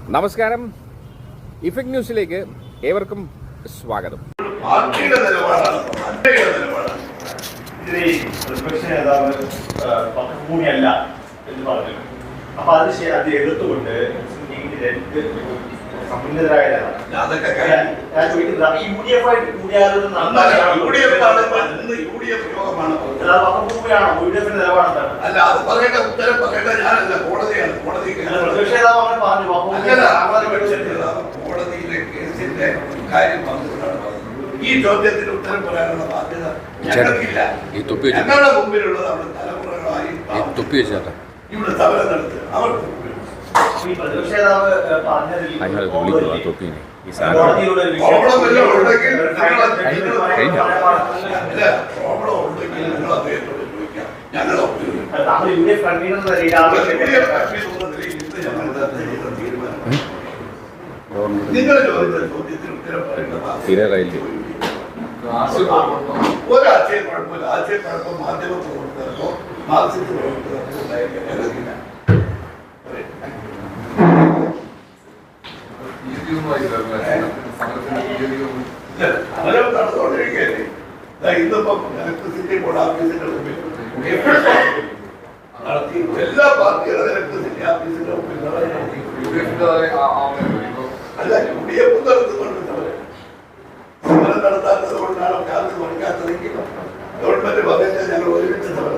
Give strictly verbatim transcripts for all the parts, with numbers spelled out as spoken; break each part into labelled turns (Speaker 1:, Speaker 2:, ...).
Speaker 1: നമസ്കാരം. ഇഫക്ട് ന്യൂസിലേക്ക് ഏവർക്കും സ്വാഗതം.
Speaker 2: പാർട്ടിയുടെ നിലപാടാണ് പാർട്ടിയുടെ നിലപാടാണ് ഇതിൽ പ്രതിപക്ഷ നേതാവ് ഭൂമിയല്ല എന്ന് പറഞ്ഞു. അപ്പൊ അത് അത് എതിർത്തുകൊണ്ട് സമുന്നതരായ അതൊക്കെ ഞാൻ ചോദിക്കുന്നത് യു ഡി എഫ് ആയിട്ട് അല്ല അത് പറയേണ്ട ഉത്തരം പറയേണ്ട ഞാനല്ല, കോടതിയാണ്. കോടതി പ്രതിപക്ഷ നേതാവ് അങ്ങനെ പറഞ്ഞു. കോടതിയിലെ കേസിന്റെ കാര്യം വന്നിട്ടാണ് ഈ ചോദ്യത്തിന് ഉത്തരം പറയാനുള്ള ബാധ്യത ഞങ്ങൾക്കില്ല. ഞങ്ങളുടെ മുമ്പിലുള്ളത് അവിടെ തലമുറകളായി ഇവിടെ സമരം നടത്തുക. അവർ നിങ്ങൾ ചോദിച്ച ചോദ്യത്തിന് ഉത്തരം പറയേണ്ട ഒരാശയം കുഴപ്പമില്ല. ആശയം കുഴപ്പം മാധ്യമ പ്രവർത്തകർക്കോ മാർക്സിസ്റ്റ് പ്രവർത്തകർക്കോ ഉണ്ടായിരിക്കില്ല. സമരം നടന്നുകൊണ്ടിരിക്കുകയല്ലേ. ഇന്നിപ്പം ഇലക്ട്രിസിറ്റി ബോർഡ് ഓഫീസിന്റെ മുമ്പിൽ നടത്തി. എല്ലാ പാർട്ടികളും ഇലക്ട്രിസിറ്റി ഓഫീസിന്റെ മുമ്പിൽ നടത്തി. അല്ല, യു ഡി എഫ് നടത്തുന്നുണ്ട് സമരം. സമരം നടത്താത്തത് കൊണ്ടാണ് കാലത്ത് കൊടുക്കാത്തതെങ്കിൽ ഗവൺമെന്റ് പറയുന്നത് ഞങ്ങൾ ഒരുമിച്ച് സമരം.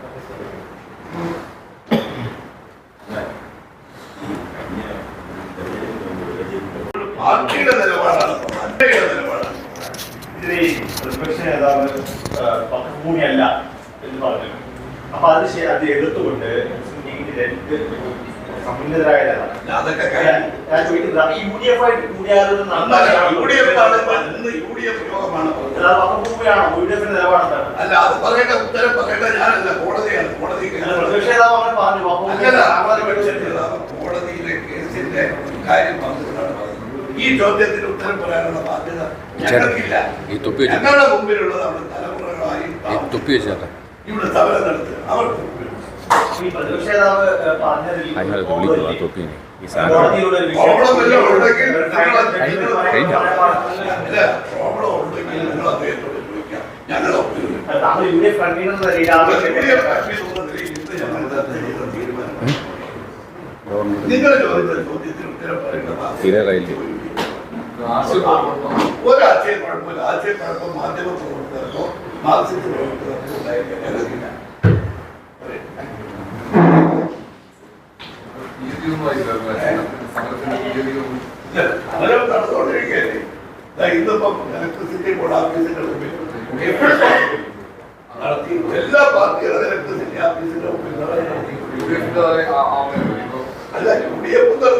Speaker 2: പാർട്ടിയുടെ നിലപാടാണ് പാർട്ടിയുടെ നിലപാടാണ് ഇതിൽ പ്രതിപക്ഷ നേതാവ് ഭൂമിയല്ല എന്ന് പറഞ്ഞു. അപ്പൊ അത് അത് എതിർത്തുകൊണ്ട് സമുന്നതരായ അതൊക്കെ ഞാൻ ചോദിക്കുന്നത് യു ഡി എഫ് ആയിട്ട് അല്ല അത് പറയേണ്ട ഉത്തരം പറയേണ്ട ഞാനല്ല, കോടതിയാണ്. കോടതി പ്രതിപക്ഷ നേതാവ് അങ്ങനെ പറഞ്ഞു. കോടതിയിലെ കേസിന്റെ കാര്യം വന്നിട്ടാണ് ഈ ചോദ്യത്തിന് ഉത്തരം പറയാനുള്ള ബാധ്യത ഞങ്ങൾക്കില്ല. ഞങ്ങളുടെ മുമ്പിലുള്ളത് അവിടെ തലമുറകളായി ഇവിടെ സമരം നടത്തുക. അവർ പ്രതിപക്ഷ നേതാവ് നിങ്ങൾ ചോദിച്ച ചോദ്യത്തിന് ഉത്തരം പറയേണ്ട ഒരാശയം കുഴപ്പമില്ല. ആശയം കുഴപ്പം മാധ്യമ പ്രവർത്തകർക്കോ മാർക്സിസ്റ്റ് പ്രവർത്തകർക്കോ ഉണ്ടായിരിക്കില്ല. സമരം നടന്നുകൊണ്ടിരിക്കുകയല്ലേ. ഇന്നിപ്പം ഇലക്ട്രിസിറ്റി ബോർഡ് ഓഫീസിന്റെ മുമ്പിൽ നടത്തി. എല്ലാ പാർട്ടികളും ഇലക്ട്രിസിറ്റി ഓഫീസിന്റെ മുമ്പിൽ നടത്തി. അല്ല, യു ഡി എഫ്